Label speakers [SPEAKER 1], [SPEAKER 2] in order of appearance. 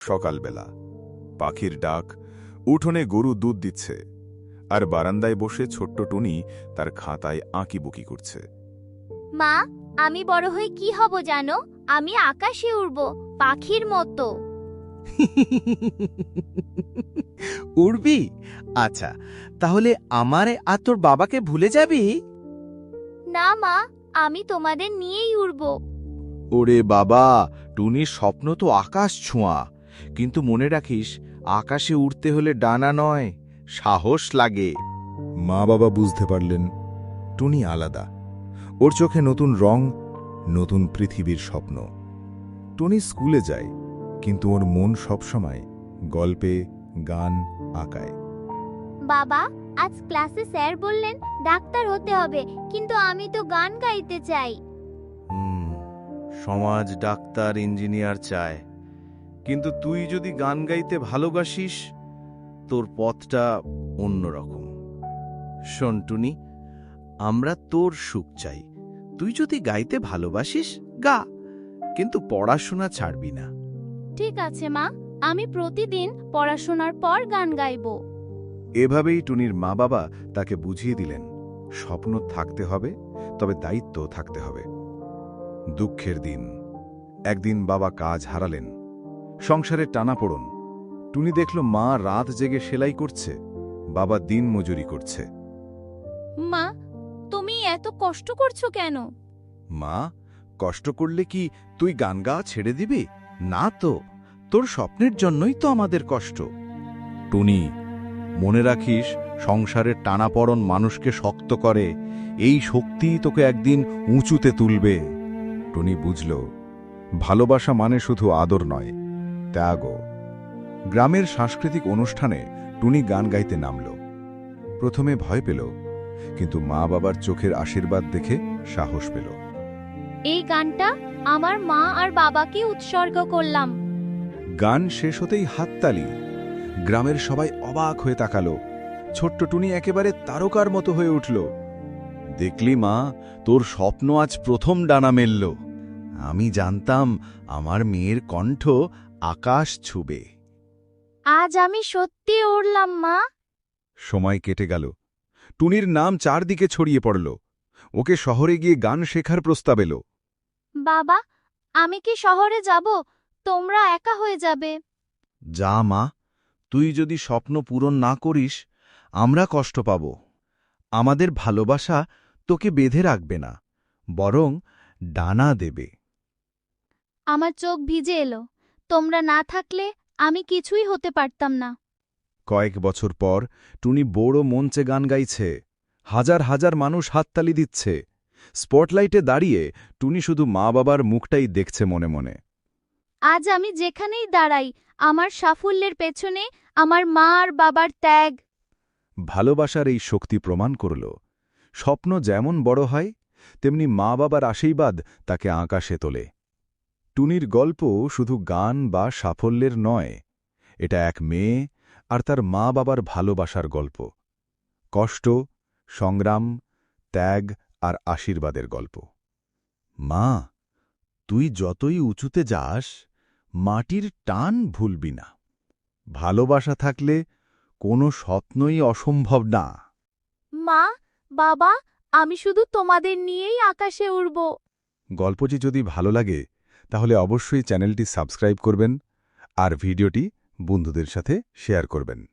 [SPEAKER 1] সকালবেলা পাখির ডাক, উঠোনে গরু দুধ দিচ্ছে, আর বারান্দায় বসে ছোট্ট টুনি তার খাতায় আঁকিবুকি করছে।
[SPEAKER 2] মা, আমি বড় হয়ে কি হব জানো? আমি আকাশে উড়ব, পাখির মতো।
[SPEAKER 3] উড়বি? আচ্ছা, তাহলে আমারে আর তোর বাবাকে ভুলে যাবি?
[SPEAKER 2] না মা, আমি তোমাদের নিয়েই উড়ব।
[SPEAKER 3] ওরে বাবা, টুনির স্বপ্ন তো আকাশ ছোঁয়া, কিন্তু মনে রাখিস, আকাশে উড়তে হলে ডানা নয়, সাহস লাগে।
[SPEAKER 1] মা বাবা বুঝতে পারলেন টুনি আলাদা, ওর চোখে নতুন রং, নতুন পৃথিবীর স্বপ্ন। টুনি স্কুলে যায়, কিন্তু ওর মন সবসময় গল্পে, গান, আঁকায়।
[SPEAKER 2] বাবা, আজ ক্লাসে স্যার বললেন ডাক্তার হতে হবে, কিন্তু আমি তো গান গাইতে চাই।
[SPEAKER 3] সমাজ ডাক্তার, ইঞ্জিনিয়ার চায়, কিন্তু তুই যদি গান গাইতে ভালোবাসিস, তোর পথটা অন্যরকম। শোন টুনি, আমরা তোর সুখ চাই। তুই যদি গাইতে ভালোবাসিস, গা, কিন্তু পড়াশোনা ছাড়বি না।
[SPEAKER 2] ঠিক আছে মা, আমি প্রতিদিন পড়াশোনার পর গান গাইব।
[SPEAKER 1] এভাবেই টুনির মা বাবা তাকে বুঝিয়ে দিলেন, স্বপ্ন থাকতে হবে, তবে দায়িত্ব থাকতে হবে। দুঃখের দিন, একদিন বাবা কাজ হারালেন, সংসারের টানাপোড়েন। টুনি দেখল মা রাত জেগে সেলাই করছে, বাবা দিন মজুরি করছে।
[SPEAKER 2] মা, তুমি এত কষ্ট করছো কেন?
[SPEAKER 3] মা, কষ্ট করলে কি তুই গান গাওয়া ছেড়ে দিবি? না তো, তোর স্বপ্নের জন্যই তো আমাদের কষ্ট। টুনি, মনে রাখিস, সংসারের টানাপড়ন মানুষকে শক্ত করে, এই শক্তিই তোকে একদিন উঁচুতে তুলবে।
[SPEAKER 1] টুনি বুঝল, ভালোবাসা মানে শুধু আদর নয়, ত্যাগও। গ্রামের সাংস্কৃতিক অনুষ্ঠানে টুনি গান গাইতে নামল। প্রথমে ভয় পেল, কিন্তু মা বাবার চোখের আশীর্বাদ দেখে সাহস পেল।
[SPEAKER 2] এই গানটা আমার মা আর বাবাকে উৎসর্গ করলাম।
[SPEAKER 1] গান শেষ হতেই হাততালি, গ্রামের সবাই অবাক হয়ে তাকালো। ছোট্ট টুনি একেবারে তারকার মতো হয়ে উঠল।
[SPEAKER 3] দেখলি মা, তোর স্বপ্ন আজ প্রথম ডানা মেলল। আমি জানতাম আমার মেয়ের কণ্ঠ আকাশ ছুবে।
[SPEAKER 2] আজ আমি সত্যি উড়লাম মা।
[SPEAKER 1] সময় কেটে গেল, টুনির নাম চারদিকে ছড়িয়ে পড়ল। ওকে শহরে গিয়ে গান শেখার প্রস্তাব এলো।
[SPEAKER 2] বাবা, আমি কি শহরে যাব? তোমরা একা হয়ে যাবে।
[SPEAKER 3] যা মা, তুই যদি স্বপ্ন পূরণ না করিস, আমরা কষ্ট পাব। আমাদের ভালোবাসা তোকে বেঁধে রাখবে না, বরং ডানা দেবে।
[SPEAKER 2] আমার চোখ ভিজে এলো। তোমরা না থাকলে আমি কিছুই হতে পারতাম না।
[SPEAKER 1] কয়েক বছর পর টুনি বড় মঞ্চে গান গাইছে, হাজার হাজার মানুষ হাততালি দিচ্ছে। স্পটলাইটে দাঁড়িয়ে টুনি শুধু মা বাবার মুখটাই দেখছে মনে মনে।
[SPEAKER 2] আজ আমি যেখানেই দাঁড়াই, আমার সাফল্যের পেছনে আমার মা আর বাবার ত্যাগ।
[SPEAKER 1] ভালোবাসার এই শক্তি প্রমাণ করল, স্বপ্ন যেমন বড় হয়, তেমনি মা বাবার আশীর্বাদ তাকে আকাশে তোলে। টুনির গল্প শুধু গান বা সাফল্যের নয়, এটা এক মেয়ে আর তার মা বাবার ভালোবাসার গল্প। কষ্ট, সংগ্রাম, ত্যাগ আর আশীর্বাদের গল্প।
[SPEAKER 3] মা, তুই যতই উঁচুতে যাস, মাটির টান ভুলবি না। ভালোবাসা থাকলে কোনো স্বপ্নই অসম্ভব না।
[SPEAKER 2] মা, বাবা, আমি শুধু তোমাদের নিয়েই আকাশে উড়ব।
[SPEAKER 1] গল্পটি যদি ভালো লাগে, তাহলে অবশ্যই চ্যানেলটি সাবস্ক্রাইব করবেন আর ভিডিওটি বন্ধুদের সাথে শেয়ার করবেন।